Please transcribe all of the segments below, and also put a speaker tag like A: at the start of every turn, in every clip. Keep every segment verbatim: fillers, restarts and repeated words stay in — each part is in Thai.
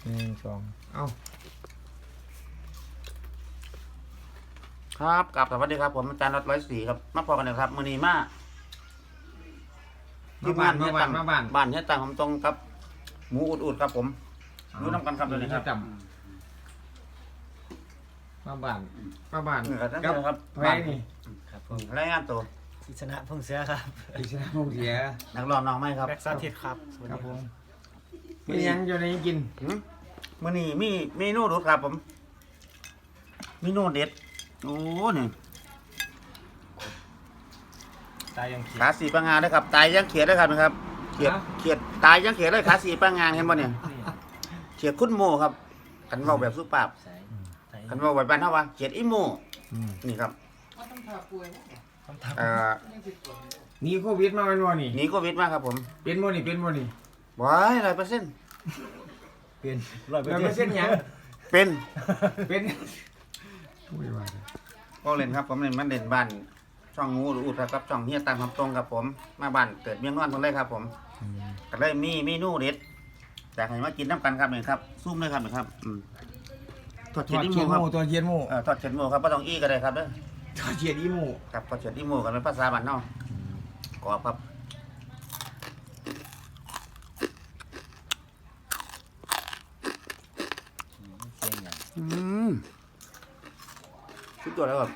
A: หนึ่งสองเอ้า
B: ครับกลับสวัสดีครับผมอาจารย์รถร้อยสี่ครับมาพอกันเลยครับมือนีมา
A: มาบ้านมาบ้านมาบ้าน
B: บ้านเฮียตังผมตรงครับหมูอุดๆครับผมรู้น้ำกันครับตัวนี้ครับ
A: จำมาบ้านมาบ้าน
B: นี่ครับนั่นครับ
A: แพ้นี่
C: ครับผม
B: รายงานตัว
C: อิสระพงษ์เสือครับ
A: อิสระพงษ์เสีย
B: นักร้องน้องไหมครับ
C: แบ็กซาทิตครับสวัส
A: ค
C: ดี
A: รับ
C: ค
A: ผ
C: รับ
A: มมียังอยู่ในกิน
B: หืมมือนีมีเมนูรสครับผมเมนูเด็ดโอ้นี่
C: ตายยังเขีย
B: ขาสีปังงานนะครับตายยังเขียดด้วยครับนะครับเขียดเขียดตายยังเขียดเลยขาสีปังงานเห็นบ่เนี่ยเขียดคุ้นโมครับกันเว้าแบบสุภาพ
C: ใส่ใส่
B: กันเว้าแบบบ้านเฮาว่าเขียดอีโม
A: อืม
B: นี่ครับ
C: คำถาม
B: เอ่อ
A: หนีโควิดมาเป็นวันนี่
B: หนีโควิดมาครับผม
A: เป็นบ่นี่เป็นบ่นี่
B: ว้ายร้อยเปอร์เซ็นต์
C: เป็นร้อยเปอร์
A: เรา
C: เซ็
A: ไม่
C: นต์
A: เส้นหยัง
B: เป็น
A: เป็นอุ้ยว่าเลย
B: ก็เล่นครับผมเล่นมันเล่นบ้านช่องงูหรืออุดครับช่องเฮียตามคำตรงครับผมมาบ้านเกิดเมียงนอนคนเลยครับผม
A: อืม
B: ก็เลยมีเมนูเด็ดอยากให้มากินน้ำกันครับนี่ครับซุ่มเลยครับนี่ครับอืมทอด
A: ท
B: เฉีย
A: อ
B: ด
A: ด
B: อี
A: เชี
B: โม
A: ยนห
B: ครับ
A: มูตัวเชียนหมู
B: เอ่อทอดเฉียดหมูครับไม่ต้องอี้ก็ได้ครับเด้อ
A: ทอดเชียนอีหมู
B: ครับทอดเฉียดอีโมกันเป็นภาษาบ้านเนาะกรอบครับ
C: เสียงอย่าง
B: อืมชุดตัวแล้วแบบ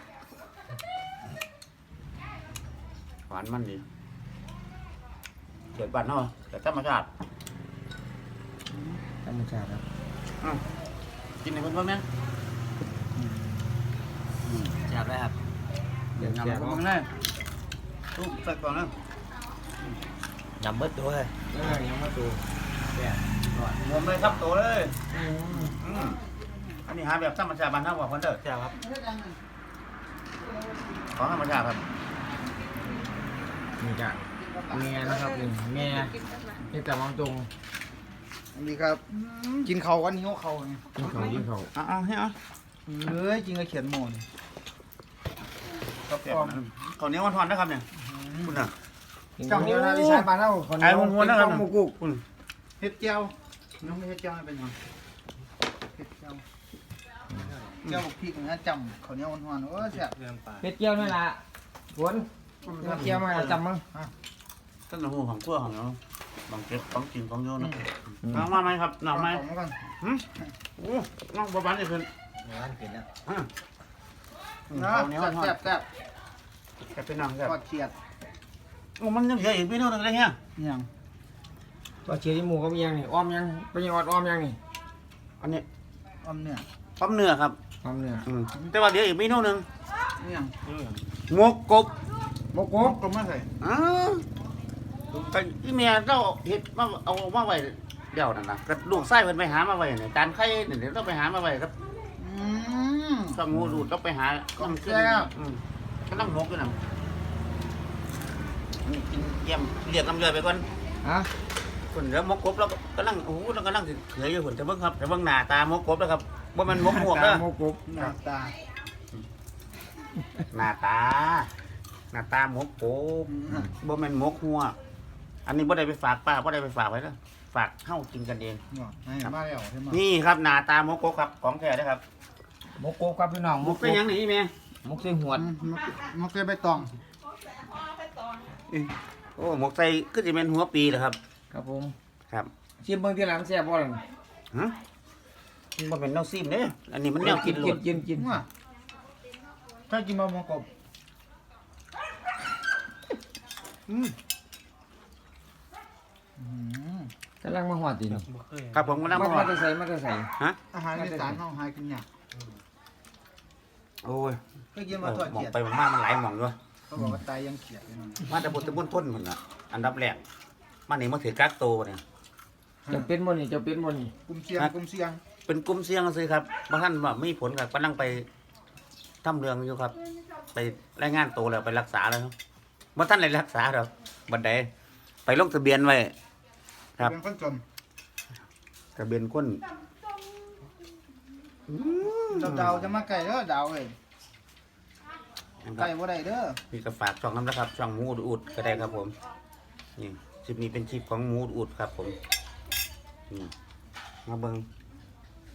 B: หวานมันดีเฉียดบ้านเนาะแต่ธรรมชาติ
A: ธรรมชาติครับ
B: อืมกินในเพื่อนๆเนี่ย
C: จับได้ครับ
A: เดี๋ยว
B: ยำ
A: แจ
B: ใน
A: ก
B: เพื่อนๆเลยทุกใส่ก่อนนะ
C: ยำเบิดด้วย
A: เออยังมาตัวแจก
B: งมเลยครับโตเลย
A: อืม
B: อืมอันนี้หาแบบธรรมชาติบ้านเฮาว่าคนเด้อ
C: จับครับ
B: ของธรรมชาติครับ
A: นี่จ้ะเมียนะครับนี่เมียนี่แต่มองตรง
D: สวัสดีครับ กินเขากันหิ้วเขาไง
A: กินเขากินเขา
B: เอาเอาให้เอา
D: เอ้ยจริงก็เขียนโมน
B: ครับผมข้าวเหนียวมันทอนนะครับเนี่ยคุณน่ะ
A: จังเดียวนะที่ใช้ปลาเท่าคน
B: ไอ้ม้วนๆนะครับ
A: หมูกุก
B: คุณ
D: เฮ็ดเจียวน้องไม่เฮ็ดเจียวให้เป็นยังเฮ็ดเจียวเจียวบอกพี่กันนะจำเขาวเหนี้ยวหวานๆโอ้แซ่บ
C: เรื่องปลา
A: เป็ดเกี๊ยวนั่นแหละฝนเป็ดเกี๊ยวมาจำมั้ง
B: ต้นหูของขั้วของเราบางเก็บของกินของโยนนะน้องมาไหมครับน้องไหม
D: เาก่อน
B: หืมโอ้น้องประมาณนี้เพิ่น
C: ร้านเปลี่ยนแล้ว
B: อ่ะ
D: นะ
B: ข้าวเหนียวมันทอ
D: แซ่
B: ด
D: บแซ่บ
B: แซ่บเป็นน้องแซ่บ
D: ทอดเขียด
B: โอ้มันยังเหลืออีกเมนูหนึงเลยเนี่ย
D: นี่ยัง
A: ตัวเชียร์ที่หมูก็มียังนี่อ้อมยังเป็นยังออดอ้อมยังนี่
B: อันนี้
D: ออมเนื้อ
B: ปั๊มเนื้อครับ
A: อ้อมเนื้อ
B: อืมแต่ว่าเดี๋ยวอีกเมนูหนึง
D: นี่ยัง
B: หมกกบ
A: โมโก
D: กบก็มาใส่
B: อ้าวแต่อีเมียเราเห็ดมาเอามาไว้เดี๋ยวนั่นนะก็ลูกไส้เพิ่นไปหามาไว้เนี่ยจานไข่เนี่ยเดี๋ยวต้องไปหามาไว้ครับ
D: อืม
B: ต้องงูดูดต้องไปหาต้องขึ้น
D: แซ่บ
B: อืมก็ต้องหมกด้วยนะนี่กินเยี่ยมเรียกน้ำเรือไปก่อน
A: ฮะ
B: คนเดี๋ยวหมกกบแล้วก็กำลังโอ้โหแล้วก็นั่งสิเขยอยู่คนแต่เบิ่งครับแต่เบิ่งหน้าตาหมกกบแล้วครับว่ามันหมกหมวกเด้อ
A: โมกุก
D: หน้าตา
B: หน้าตาหน้าตาหมกกบ
D: อืม
B: บ่แม่นหมกหัวอันนี้บ่ได้ไปฝากป้าบ่ได้ไปฝากไว้เด้อฝากเฮากินกันเอง
D: บอกให้มาแล้วใช่ไหม
B: นี่ครับหน้าตาหมกกบครับของแท้นะครับ
A: โมกุกครับพี่น้อง
B: หมกเป็นหยังนี่แม่
A: หมกใส่หัว
D: อืมมันมันเคยใบตอง
B: โอ้หมกใส่คือสิแม่นหัวปีเหรอครับ
A: ครับผม
B: ครับ
A: ชิมเบิ่งที่หลังแซ่บบ่ล่ะ
B: ฮะมันบ่เป็นแนวซิมเด้อันนี้มันแนวกินโล
A: กิ
B: ด
A: นกินกิน
D: ว่าถ้ากินมะม่วงกบ
B: อืม
D: อืม
A: กำลังมาหอดดีนี่
C: บ่เคย
B: ครับผมก็นำ
A: มา
B: มา
A: มาจะใส่มาจะใส่
B: ฮะ
D: อาหารอีสานเฮาหากินยาก
B: โอ้ย
D: เคยกินมาทอด
B: หมอง
D: เขียด
B: ไปหมองมามันหลายหม่องด้วย
D: เขาบอกว่าตายยังเขียดเลยนะ
B: มาแต่บุตรบุญพ้นพุ่นน่ะอันดับแรกมานี่มาถือกักโตวเนี่ย
A: จะเป็นบ่นี่จะเป็นบ่นี่
D: กลุ่มเสียงกลุ่มเสียง
B: เป็นกลุ่มเสี่ยงซื้อครับบางท่านว่ามีผลครับก็นั่งไปทำเรื่องอยู่ครับ ไปรายงานตัวแล้วไปรักษาแล้วครับบ่ท่านเลยรักษาหรอกบัดใดไปลงทะเบียนไว้ ครับ
D: เป็นคนจน
B: ทะเบียนคนอืม
D: เจ้าดาวจะมาไก่เด้อดาวเอ้ย
B: นะค
D: ไก่
B: รับ
D: บ่ได้เด้อ
B: มีกระฝากช่องน้ำนะครับ ช่องหมูอุดๆก็ได้ครับผมนี่คลิปนี้เป็นคลิปของหมูอุดๆครับผมนี่มาเบิ่ง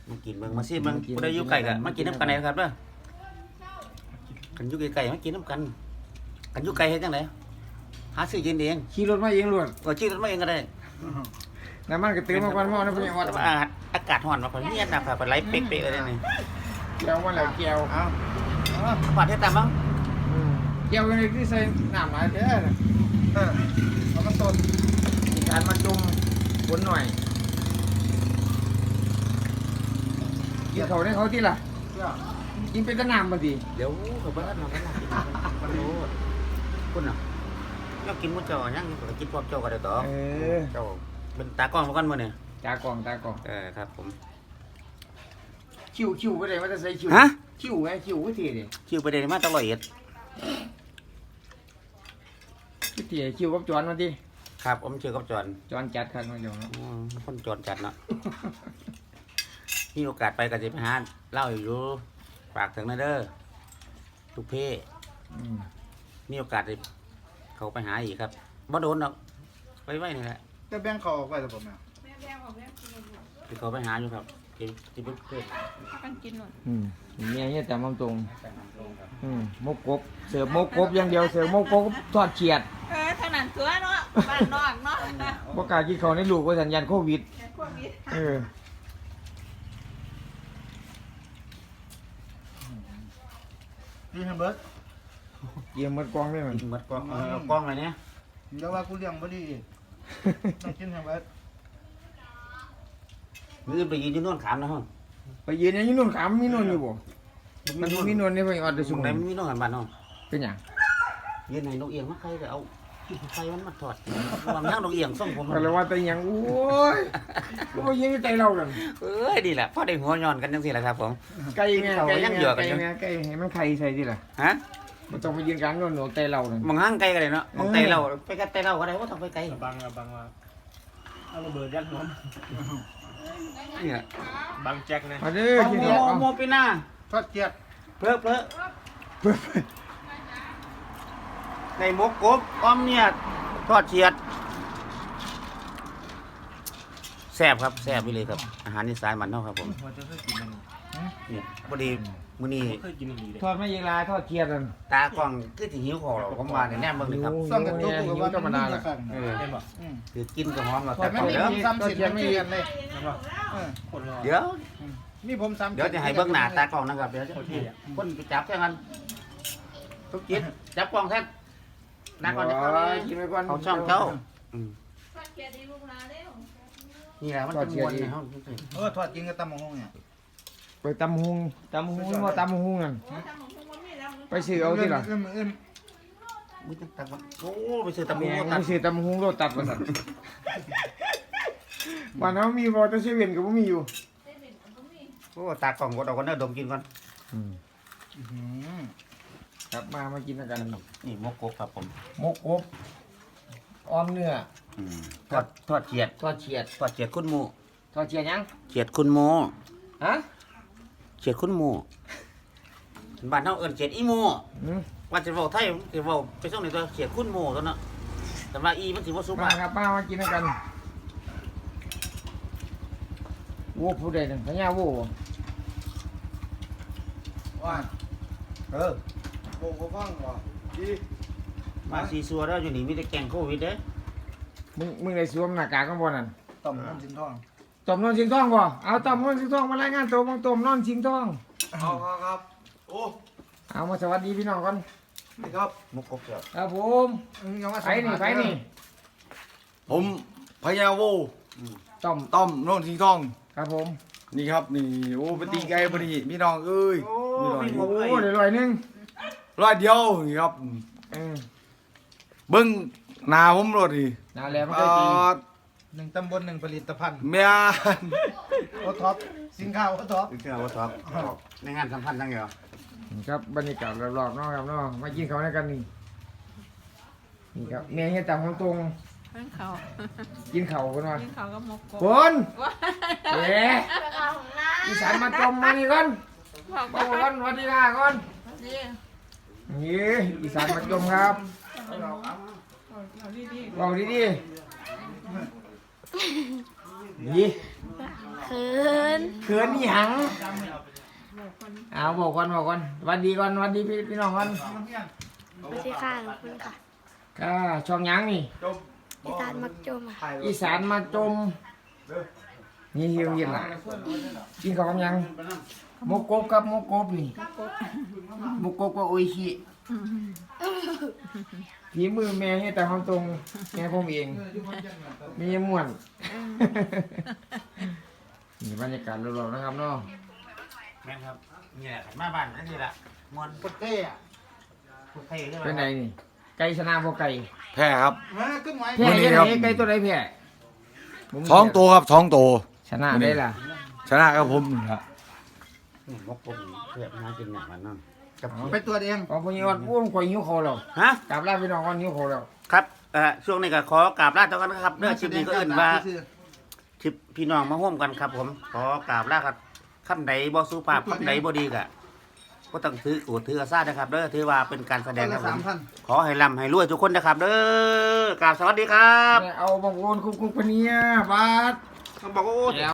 B: มากินเบิ่งมาซิเบิ่งผู้ใดอยู่ไกลก็มากินน้ำกันได้ครับเด้อกันอยู่ไกลๆมากินน้ำกันกันอยู่ไกลเฮ็ดจังไดหาซื้อกินเอง
A: ขี่รถมาเองล้วน
B: ก็ชื่อรถมาเองก็ได้
A: น้ำมันก็เติมมาก่อนหม้อนะพี่ว่า
B: แต่ว่าอากาศร้อนมาพอเนียนนะพาไปไหลเป๊กๆเลยนี่
A: แก้วมาแล้วแก้ว
D: เอาเอา
B: ปาดเฮ็ดตามมั้ง
A: อืมแก้วยังไงที่ใส่น้ำหลายแท้น่ะ
D: เออเอามาต้น
A: มีการมาจุ่มฝนหน่อยกินเขาได้เขาที่ล่ะ
D: เพื่อ
A: กินเป็นตะน้ำบางที
B: เดี๋ยวเขาเบิ่งเราก็น่ากินกันโลดคุณน่ะอยากกินมื้อเจ้ายังก็กินพร้อมเจ้าก็ได้ดอก
A: เออ
B: เจ้าเป็นตากล้องมากันมื้อนี่
A: ตากล่องตากล่อง
B: เออครับผม
A: คิวคิวไปไหนว่าจะใส่คิว
B: ฮะ
A: คิวไงคิววิธีดิ
B: คิวไปได้มาตลอดเอ็ด
A: วิธีคิวกับจอนมาดิ
B: ครับผมชื่อกับจอน
A: จอนจัดครับน้องจอน
B: อืมคนจอนจัดเนาะ มีโอกาสไปก็สิไปหาเล่าอยู่ฝากถึงนะเด้อทุกเพศ
A: อืม
B: มีโอกาสได้เขาไปหาอีกครับบ่โดนดอกไว้ไว้นี่แหละ
D: จะแบ่งเขาออกไปหรือเปล่าแม่
E: แม่แม่ของแม่กินหมด
B: ที่เขาไปหาอยู่ครับที่ที่เป็นเพื่อน
E: ถ้ากันกินหมด
A: อืมเมียเนี่ยแต่มตรงอืมมกกบเสิร์ฟมกกบอย่างเดียวเสิร์ฟมกกบทอดเฉียด
E: เออเท่านั้นตัวเนาะบ้านนอกเนาะ
A: บ่กล้ากินเขาวในลูกว่าสัญญาณโควิด
E: พวกนี้
A: เออ
D: กินให้เบิร์ด
A: เยี่ยมหมดกองเลยมัน
B: กินหมดกล้องเออเอากล้องอะไรเนี่ย
D: เดี๋ยวว่ากูเลี้ยงบ่ดีอีกต้องกินให้เบิร์ด
B: มือไปยืนอยู่โน่นขามนะฮะ
A: ไปยืนอย่างนี้นู่นขามมีนู่นอยู่บ่มันมีนู่นนี่ไปออดได้
B: สุ
A: สุ่
B: ง
A: ม
B: ไหนมันมีโน่นหันบ้านเนาะ
A: เป็นหยัง
B: ยืนไหนนกเอียงมาใครก็เอาใครมันมาถอดวางย่างนกเอียงส่งผม
A: ก็เลยว่าแต่หยังโอ้ยก็บ่ยิงใจเรากัน
B: เอ้ยดีแหละพ่อได้หัวย้อนกันจังซี่แหละครับผม
A: ไก่แม่
B: เขา
A: ไก่
B: ยัง
A: แม่
B: เหยื่อกัน
A: ไก่
B: อยู่
A: แม่ไก่ให้มันไข่ใส่ดิล่ะ
B: ฮะ
A: บ่ต้องไปยืนกลางโน่นหนูใจเรานั่น
B: มองห้างไกลกันเลยเนาะมองไกลเราไปกันไกลเราก็ได้ว่าต้องไปไกล
C: บังอะบังว่าเอาระเบิดยัดหัว
B: เนี่ย
C: บังแจ็คนะ
A: มาเด้อ
B: โม
A: กิน
B: โม
A: เด็กเอา
B: โมปีหน้า
D: ทอดเกียด
B: เพลอเพลอ
A: เพิ่น
B: ในมกกบอ้อมเนี่ยทอดเฉียดแซ่บครับแซ่บไปเลยครับ อาหารอีสานมันเนาะครับผม
C: หัวจะเคยกินมัน
B: เนี่ยพอดีมื้อนี้
C: เคยกินมันดีเลย
A: ทอดไม่ยิงลายทอดเกียดนั่น
B: ตากล้องคือสิหิวคอหรอกผมว่าเนี่ยแน่เบิ่งเลยครับ
D: ซ่อมกันตัวกูกับว่า
A: ธรรมดา
D: จะ
A: ล่ะ
D: สั่ง
B: เออ
C: เห็นป่ะ
D: อืม
B: คือกินก็หอมแล้ว
D: แต่
B: แต่
D: ไม่
B: เดี๋ยว
D: มีซ้ำสิบไม่เกียนเลย
C: เห็นป่ะ
D: เออ
C: คนรอ
B: เดี๋ยว
D: มีผมซ้ำ
B: เดี๋ยวจะให้เบิ่งหน้าตากล้องนะครับเดี๋ยวจะคนไปจับแท่งกันทุกจิตจับกล้องแท่งนักก่อนจะเข้า
A: โอ้
B: เลย
A: กินไปก่อน
B: เขาช่องเจ้าอืม
E: ทอดเกลียดดีลูกหลานเด้อ
B: นี่แหละมันจะมวนในห้อง
D: เออทอดกินกับตำมะฮงเนี่ย
A: ไปตำหุงตำหุงว่าตำหุงนั่น
E: โอ้ทำของพวกมันมีแล้ว
A: ไปซื้อเอาที่ล่ะ
D: เอื้อมเอื้อม
B: มึงจะตำโอ้ไปซื้อตำ
A: แม่
B: มู
A: ง
B: ตั
A: ไป
B: ด
A: ซื้อตำหุงโรตัดมาสั่นบ้านเฮามีบ่แต่เซเว่นก็บ่มีอยู่
E: เส้นเป็นอันก็มี
B: โอ้ตากล้องกดเอากันเด้อดมกินก่อน
A: อืม
D: อื้อหือ
A: ครับมามากินกัน
B: นี่มกกบครับผม
A: มกกบอ้อมเนื้อ
B: อืมทอดทอดเฉียด
A: ทอดเฉียด
B: ทอดเฉียดคุณหมู
A: ทอดเฉียดยัง
B: เฉียดคุณหมู
A: ฮะ
B: เฉียดคุณหมูบ้านเฮาเอิ้นเฉียดอีหมู
A: อืม
B: ว่าจะเว้าไทยสิเว้าไปส่งในตัวเฉียดคุณหมูตัวเนาะแต่ว่าอีมันสิบ่สุ
A: มา
B: ภาพ
A: ครับมามากินกันโว้ผู้ใดนั่นพญาโว้
D: ว่าเออโบกฟังว่ะดี
B: มาซีซัวแล้วอยู่นี่มีแต่แกงโควิดเด้อ
A: มึงมึงได้สวมหน้ากากกันบ่นั่น
D: ต่อมน้ำสินทอง
A: ต้มนอนสิงทองบ่เอาต้มนอนสิงทองมารายงานตัวบังต้มนอนสิงทอง
D: เอาครับครับโอ้
A: เอามาสวัสดีพี่น้องก่อน
D: นี่ครับ
B: มกกบเจ้า
A: ครับผม
D: อืมยังว่า
A: ไปนี่ไปนี่
F: ผมพญาโว
A: ต้ม
F: ต้อมโน่นสีทอง
A: ครับผม
F: นี่ครับนี่โอ้ไปตีไก่พอดีพี่น้องเอ้ย
B: โอ้
F: มีหน่อย
B: มีหม
A: โอ้เดี๋ยวลอยหนึง
F: ร้อยเดียวนี่ครับ
A: เออ
F: เบิ้งหนาผมรถดิ
A: นาแลมัน
F: อ่
A: เคยตี
F: า
D: หนึ่งตำบลหนึ่งผลิตภัณฑ์
F: เมียน
D: โอท็อปสินค้าโอท็อป
B: ถึงเอาว่าท็อปในงานสัมพันธ์จังเหรอ
A: ครับบรรยากาศรอบๆเนาะครับเนาะมากินข้าวด้วยกันนี่นี่ครับเมียเฮ็ดตามของตรง
E: เพื่อนเขา
A: กินข้าวกันว่า
E: กินเขาก็มกกบ
A: คน
E: ว้า
A: เอ๊ะ
E: เอาของน้า
A: อีสานมาจมมานี่ก่อน
E: บอก
A: มาก่อนสวัสดีค่ะก่อน
E: ดี
A: นี่อีสานมาจมครับ
E: เอาดีดี
A: บอกดีๆนี่
E: เขิน
A: เขินอีหยังเอาบอกก่อนบอกก่อนหวันดีก่อนหวันดีพี่พี่น้องก่อน
E: สวัสดีค่ะขอบคุณค่ะ
A: ก็ช่องหยังนี่
E: อีสานมักจมค่ะ
A: อีสานมาจมนี่เฮียเย็นล่ะกินข้าวกับหยังหมกกบกับหมกกบนี่หมกกบกับโออิชิฝีมือแม่ให้แต่ความตรงแม่ผมเองมีม่วนนี่บรรยากาศรอบๆนะครับเนาะ
B: แม่นครับนี่แหละมาบ้านนั่นนี่แหละมวน
D: กดเท่อะ
B: พูดไทยใช่ไหม
A: เป็นไงนี่ไก่ชนะบ่ไก่
F: แพ้ครับ
D: มาขึ้นไว้
A: แพ้
F: วันนี้
A: ยัง
F: ครั
A: ไง
F: บ
A: ไก่ตัวใดแพ้ผม
F: ท้องโตครับท้องโต
A: ชนะได้ล่ะ
F: ชนะครับผมนี่ครับ
B: นี่มกผมเพื่อนหากินอย่างนั้นนั่นกับ
D: ไปตัวเอง
A: ของพญอดอ้วนกว่าหิวเขาแล้ว
B: ฮะ
A: กลับลาพี่น้องก่อนหิวเขาแล้ว
B: ครับเอ่อช่วงนี้ก็ขอกราบลาตัวกันนะครับเรื่องชิปนี้ก็อื่นว่าชิปพี่น้องมาร่วมกันครับ ผมขอกราบลาครับคำไหนบ่สุภาพคำไหนบ่ดีกะก็ต้องถือกูถือกระซ่านะครับเด้อถือว่าเป็นการแสดงครับผ
D: สาม
B: ม
D: พัน
B: ขอให้ร่ำให้รวยทุกคนนะครับเด้อกราบสวัสดีครับ
A: เอาบางโอนคุกคุกปะเนี่ยบาส
B: เขาบอกว่า